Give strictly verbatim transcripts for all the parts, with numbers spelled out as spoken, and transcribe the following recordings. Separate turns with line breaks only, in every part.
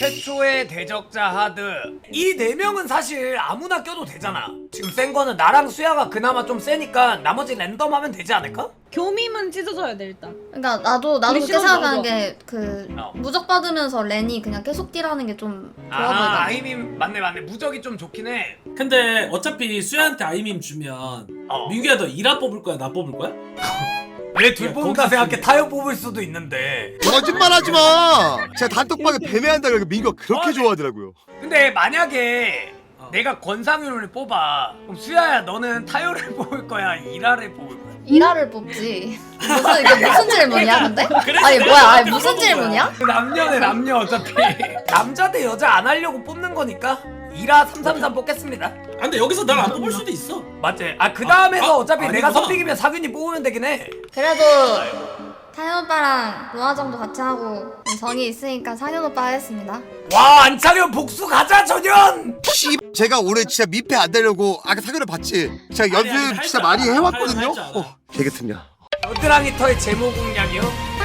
최초의 대적자 하드. 이 네 명은 사실 아무나 껴도 되잖아. 지금 센 거는 나랑 수야가 그나마 좀 세니까 나머지 랜덤 하면 되지 않을까?
교미만 찢어져야 돼 일단.
그러니까 나도 나도
우리
그렇게
시험
생각하는
넣어줘.
게 그
어.
무적 받으면서 렌이 그냥 계속 딜하는 게 좀 좋아
아
보이더라고.
아이민 맞네 맞네. 무적이 좀 좋긴 해.
근데 어차피 수야한테 아이밈 주면
어.
민규야 너 이라 뽑을 거야 나 뽑을 거야?
왜 둘
야,
뽑는다
거기서
생각해.
지금-
타협 뽑을 수도 있는데.
거짓말하지 마. 제가 단톡방에 배매한다 그러니까 민규가 그렇게
어, 네.
좋아하더라고요.
근데 만약에
어.
내가 권상윤을 뽑아. 그럼 수야야 너는 타요를 뽑을 거야? 이라를 뽑을 거야?
이라를 뽑지. 무슨 이게 무슨 질문이야 근데?
그래서
아니
내가
뭐야? 아니
그렇게
무슨
물어본
질문이야?
남녀네 남녀 어차피. 남자 대 여자 안 하려고 뽑는 거니까 이라 삼삼삼 뽑겠습니다.
아 근데 여기서 날 안 뽑을 수도 있어.
맞지? 아 그 다음에서
아, 아,
어차피 내가
아니구나.
선픽이면 사균이 뽑으면 되긴 해.
그래도 타연 오빠랑 노아 정도 같이 하고 정이 있으니까 상현 오빠 하겠습니다.
와 안창현 복수 가자 전현.
씨, 제가 오늘 진짜 민폐 안 되려고 아까 사교를 봤지. 제가
아니, 아니,
연습
할
진짜
줄
많이
알아.
해왔거든요.
할 줄 알아.
어, 되겠습니다.
겨드랑이 털 제모 공략이요?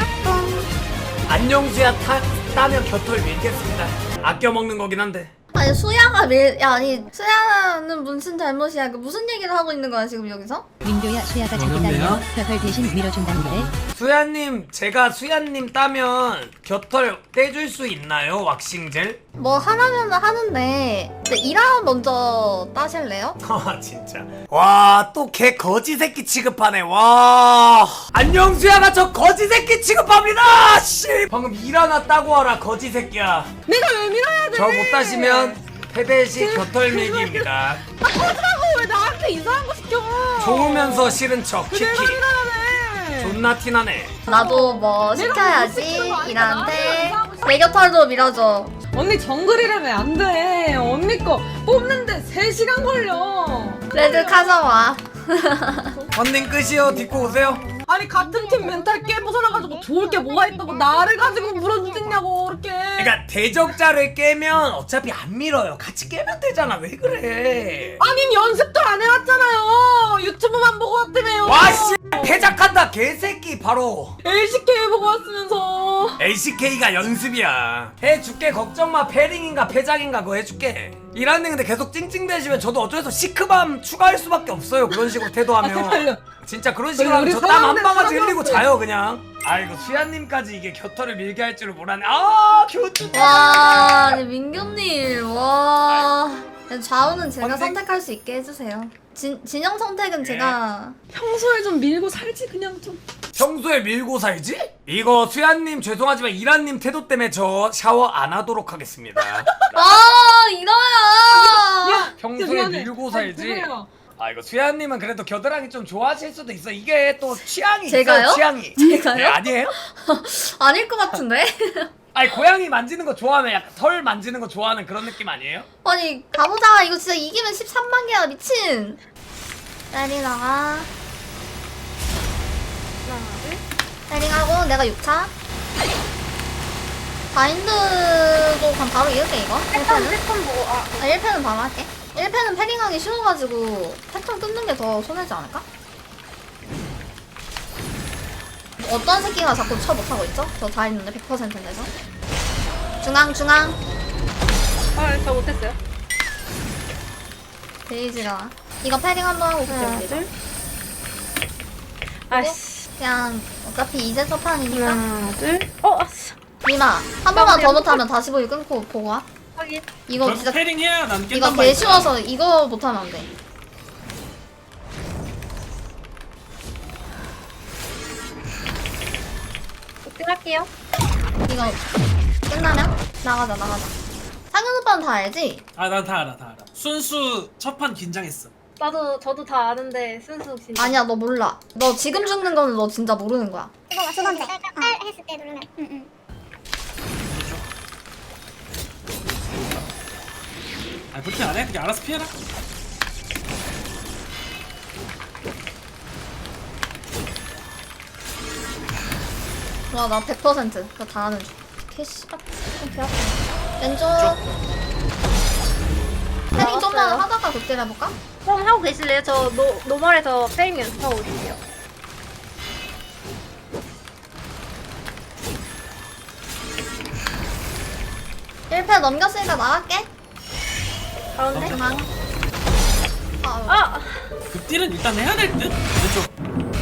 안녕수야 타, 따면 겨털 밀겠습니다. 아껴 먹는 거긴 한데.
아니 수야가 밀, 야 아니 수야는 무슨 잘못이야? 그 무슨 얘기를 하고 있는 거야 지금 여기서?
민규야 수야가 자기
어렵네요.
따면 벽을 대신 밀어준다는데
수야님 제가 수야님 따면 겨털 떼줄 수 있나요? 왁싱젤?
뭐 하라면 하는데 근데 이라 먼저 따실래요?
아 진짜 와 또 걔 거지 새끼 취급하네. 와 안녕 수야가 저 거지 새끼 취급합니다. 씨 방금 일 하나 따고 와라 거지 새끼야.
내가 왜 밀어야 돼?
저 못 따시면 패배 시 겨털 밀기입니다.
아 꺼지라고 왜 나한테 이상한 거 시켜?
좋으면서 싫은 척 키키.
내가 밀어야 돼.
존나 티나네.
나도 뭐
내가
시켜야지
못 시키는 거 아니야.
이라한테
나한테
내 곁털도 밀어줘.
언니 정글이라면 안 돼. 언니 거 뽑는데 세 시간 걸려.
레드 가져와.
언님 끝이요. 딛고 오세요.
아니 같은 팀 멘탈 깨부숴놔가지고 좋을 게 뭐가 있다고 나를 가지고 물어주겠냐고 그렇게.
그러니까 대적자를 깨면 어차피 안 밀어요. 같이 깨면 되잖아. 왜 그래?
아니 연습도 안 해왔잖아요. 유튜브만 보고 왔다며요.
와씨 패작한다 개새끼 바로.
엘씨케이 보고 왔으면서.
엘씨케이가 연습이야. 해줄게 걱정 마. 패링인가 패작인가 그거 해줄게. 이란님 근데 계속 찡찡대시면 저도 어쩔 수 없어 시크밤 추가할 수밖에 없어요. 그런 식으로
아,
태도하면.
제발요.
진짜 그런 식으로 하면
우리
저 땀 한
사람들,
방아지 흘리고
사람들.
자요 그냥. 아이고 수야님까지 이게 겨털을 밀게 할 줄을 몰랐네. 아 교주.
와 아니 민규님 와 좌우는 제가
언니.
선택할 수 있게 해주세요. 진, 진영 선택은 제가
평소에 좀 밀고 살지 그냥 좀.
평소에 밀고 살지? 이거 수야님 죄송하지만 이란님 태도 때문에 저 샤워 안 하도록 하겠습니다.
아 이러야
평소에
미안해.
밀고
아니,
살지.
죄송해요.
아 이거 수야님은 그래도 겨드랑이 좀 좋아하실 수도 있어. 이게 또 취향이
제가요?
있어요. 취향이.
제가요?
네, 아니에요?
아닐 것 같은데?
아니 고양이 만지는 거 좋아하면 약간 털 만지는 거 좋아하는 그런 느낌 아니에요?
아니 가보자. 이거 진짜 이기면 십삼만 개야 미친. 때리다가 때링하고 내가 육 차 바인드도 그럼 바로 이을게 이거 일 패는?
보고 아.
아, 일 패는 바로 할게. 일 패는 패링하기 쉬워가지고 패턴 끊는 게 더 손해지 않을까? 어떤 새끼가 자꾸 쳐 못하고 있죠? 저 다 했는데 백 퍼센트인데서 중앙 중앙
아저 못했어요.
데이지가 이거 패링 한번 하고 그때
아씨.
그냥 어차피 이제 첫 판이니까
하나 둘. 어 아씨.
니마 한 번만 더 못하면 다시 보기 끊고 보고 와.
확인.
이거
결국
진짜
패링 해야 난 깬단
이거
말이야.
개 쉬워서 이거 못하면 안 돼.
할게요.
이거 끝나면 나가자 나가자. 상현 오빠는 다 알지?
아난 다 알아 다 알아. 순수 첫 판 긴장했어.
나도 저도 다 아는데 순수 진짜
아니야 너 몰라. 너 지금 죽는 거는 너 진짜 모르는 거야.
이거 두 번째 딸 했을 때 누르면 응응
아 불쾌 안 해? 그냥 알아서 피해라.
와 나 백 퍼센트 그거 다 하는 중. 개씨 좀 배아파. 왼쪽. 패링 좀만 하다가 그때 해볼까?
그럼 하고 계실래요? 저 노, 노멀에서 페임 연습하고 올게요.
일 패 넘겼으니까 나갈게.
가운데?
중앙. 아,
아!
급딜은 일단 해야 될 듯? 왼쪽.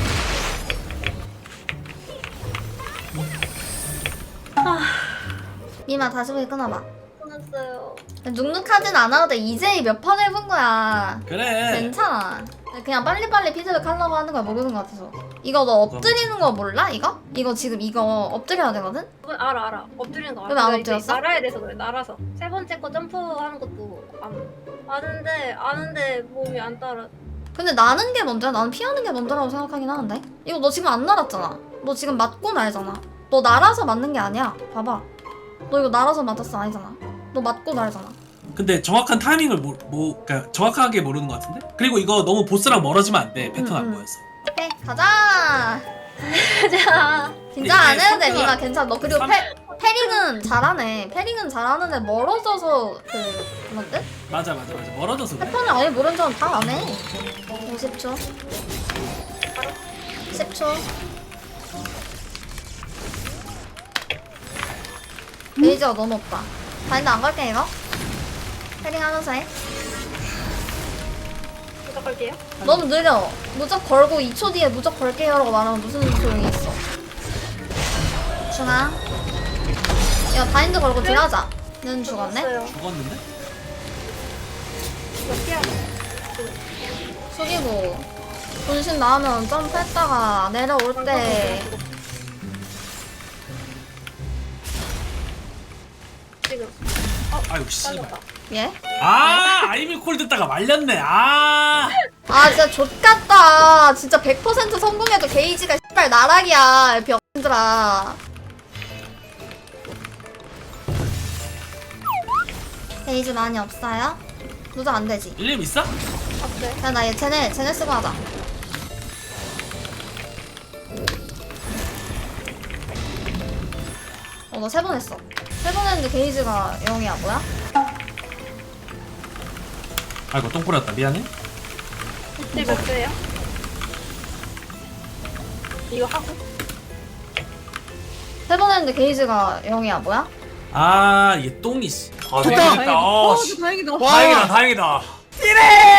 미마 다시 보기 끊어봐.
끊었어요.
눅눅하진 않아도 돼. 이제 몇 판 해본 거야.
그래.
괜찮아. 그냥 빨리빨리 피드백 하려고 하는 거야. 모르는 거 같아서. 이거 너 엎드리는 거 몰라? 이거? 이거 지금 이거 엎드려야 되거든?
그건 알아 알아. 엎드리는 거 알아.
그럼 안
내가 이제
엎드렸어?
날아야 돼서 그래. 날아서. 세 번째 거 점프하는 것도 안 아는데 아는데 몸이 안 따라.
근데 나는 게 먼저야. 나는 피하는 게 먼저라고 생각하긴 하는데. 이거 너 지금 안 날았잖아. 너 지금 맞고 날잖아. 너 날아서 맞는 게 아니야. 봐봐. 너 이거 날아서 맞았어 아니잖아. 너 맞고 날잖아.
근데 정확한 타이밍을 모, 뭐, 그러니까 정확하게 모르는 것 같은데? 그리고 이거 너무 보스랑 멀어지면 안 돼. 패턴
음,
안
음.
보여서.
오케이 가자.
자.
긴장 안
이게
해도 돼
삼-
미마 괜찮아. 너 그리고
삼-
패, 패링은 잘하네. 패링은 잘하는데 멀어져서 그 그런 듯?
맞아 맞아 맞아. 멀어져서 그래.
패턴을 아예 모르는 사람 다 안 해. 오십 초. 십 초. 레이저가 너무 없다. 바인드 안 걸게 이거. 패링 하면서 해.
부탁할게요.
너무 느려. 무적 걸고 이 초 뒤에 무적 걸게요라고 말하면 무슨 소용이 있어. 중앙. 야 바인드 걸고 딜하자. 는 죽었네.
끊었어요.
죽었는데?
이거 피하고.
숙이고 분신 나오면 점프했다가 내려올 때
지금.
아유 씨발.
빠졌다.
예?
아 아이밀 콜 듣다가 말렸네. 아.
아 진짜 좆같다. 진짜 백 퍼센트 성공해도 게이지가 씨발 나락이야 병들아. 게이지 많이 없어요? 무적 안 되지.
일림 있어?
없어요.
야 나 얘 쟤네 쟤네 쓰고 하자. 어 너 세 번 했어. 세 번 했는데 게이지가 영이야 뭐야?
아이고 똥 뿌렸다. 미안해.
지금 없어요. 이거 하고.
세 번 했는데 게이지가 영이야 뭐야?
아 이게 똥이 씨.
아
좋다.
다행이다. 어,
어,
씨.
다행이다.
와.
다행이다 다행이다. 이래.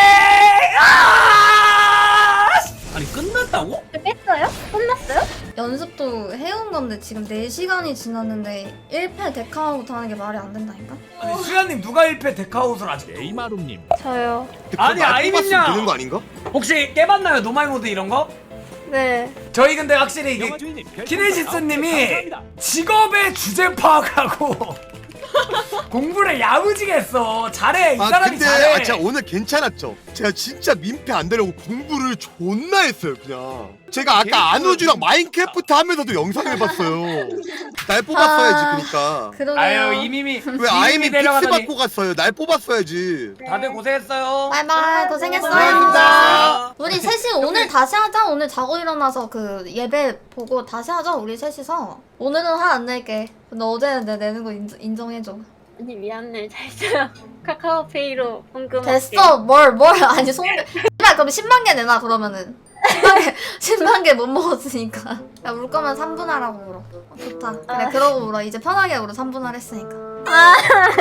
아!
아니 끝났다고?
뺐어요? 끝났어요?
연습도 해온 건데 지금 네 시간이 지났는데 일 패 데카아웃 하는 게 말이 안 된다니까?
아니 수야님 누가 일 패 데카웃을 아직?
에이마룸님
저요.
아니, 아이민야.
되는 거 아닌가?
혹시 깨봤나요 노말 모드 이런 거?
네.
저희 근데 확실히 이게
영화주인님 별풍선
키네시스님이
아홉 개 감사합니다.
직업의 주제 파악하고 공부를 야무지게 했어. 잘해 이
아
사람이
근데
잘해.
아 진짜 오늘 괜찮았죠? 제가 진짜 민폐 안 되려고 공부를 존나 했어요 그냥. 제가 아까 안우주랑 마인크래프트 하면서도 영상 해봤어요. 날 뽑았어야지 그니까.
그러게요.
아유 이미미
왜 아이미 픽스
데려가더니
받고 갔어요? 날 뽑았어야지.
다들 고생했어요.
바이바이 고생했어요.
고생하셨습니다.
우리 셋이 오늘 다시 하자. 오늘 자고 일어나서 그 예배 보고 다시 하자. 우리 셋이서. 오늘은 화 안 낼게. 근데 어제는 내 내는 거 인정, 인정해줘.
언니 미안해. 잘 써요. 카카오페이로 헌금.
됐어. 뭘 뭘 아니 송대. 씨발 그럼 십만 개 내놔 그러면은. 십만 개 십만 개 못 먹었으니까. 야 울 거면 삼 분 하라고 울어. 어, 좋다. 그래 그러고 울어. 이제 편하게 울어. 삼 분 하랬으니까.
아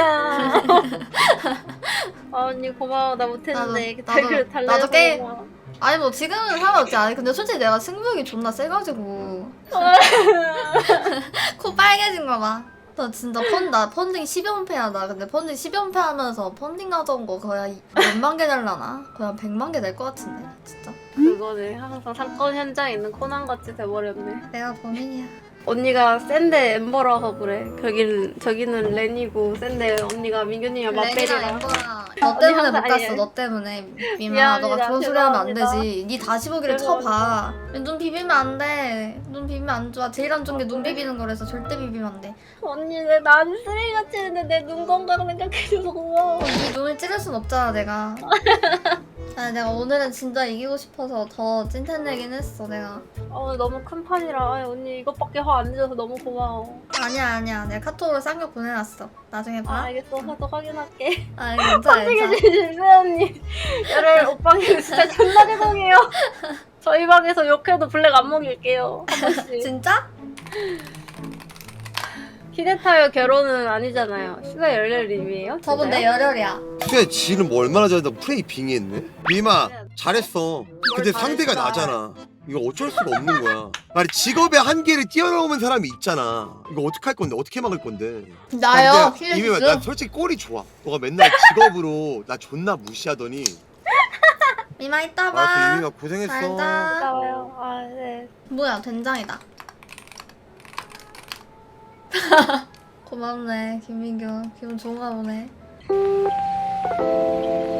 언니 고마워. 나 못했는데.
나도- 나도-
댓글 달래서
나도 게임-
고마워.
아니 뭐 지금은 상관없지. 아니 근데 솔직히 내가 승부욕이 존나 세가지고 코 빨개진 거 봐. 나 진짜 펀, 나 펀딩 십연패야. 나 근데 펀딩 십연패 하면서 펀딩 가져온 거 거의 한 몇만 개 날라나? 거의 한 백만 개 낼 것 같은데 진짜.
그거네. 항상 사건 현장에 있는 코난같이 돼버렸네.
내가 범인이야.
언니가 센데 엠버라서 그래. 저기는 저기는 렌이고 센데 언니가 민규님이랑
랭이랑
맞배리라.
엠버랑 너 때문에 못
항상
갔어.
아니에요.
너 때문에 미마.
미안합니다.
너가 그런 소리 하면 안
죄송합니다.
되지. 니 다시 보기를 쳐봐. 눈 비비면 안 돼. 눈 비비면 안 좋아. 제일 안 좋은 게 눈 비비는 거라서 절대 비비면 안 돼.
언니 내 나는 쓰레기같이 했는데 내 눈 건강 생각해줘서 고마워.
네 눈을 찌를 순 없잖아 내가. 아니 내가 오늘은 진짜 이기고 싶어서 더 찐텐내긴 했어 내가.
어 너무 큰 판이라 아이, 언니 이것밖에 화 안 내줘서 너무 고마워.
아니야 아니야 내가 카톡으로 쌍욕 보내놨어. 나중에
아
봐.
알겠어. 가서 확인할게.
아 괜찮아 괜찮아.
선생님 수 언니. 열혈 오빵님 진짜 존나 죄송해요. 저희 방에서 욕해도 블랙 안 먹일게요. 한 번씩.
진짜?
히데타요 결혼은 아니잖아요. 수다 열렬님이에요?
저분 내 열혈이야.
수야 지는 뭐 얼마나 잘한다고 프레이 빙의했네? 미마 잘했어. 근데
뭘
상대가
잘했어.
나잖아. 이거 어쩔 수가 없는 거야. 아니 직업의 한계를 뛰어넘은 사람이 있잖아. 이거 어떻게 할 건데? 어떻게 막을 건데?
나요?
아, 근데 이미 나
힐리스?
솔직히 꼴이 좋아. 너가 맨날 직업으로 나 존나 무시하더니
이마 이따
아, 그
봐.
이미가 고생했어.
잘 자.
나와요. 아 네.
뭐야 된장이다. 고맙네 김민규. 기분 좋은가 보네.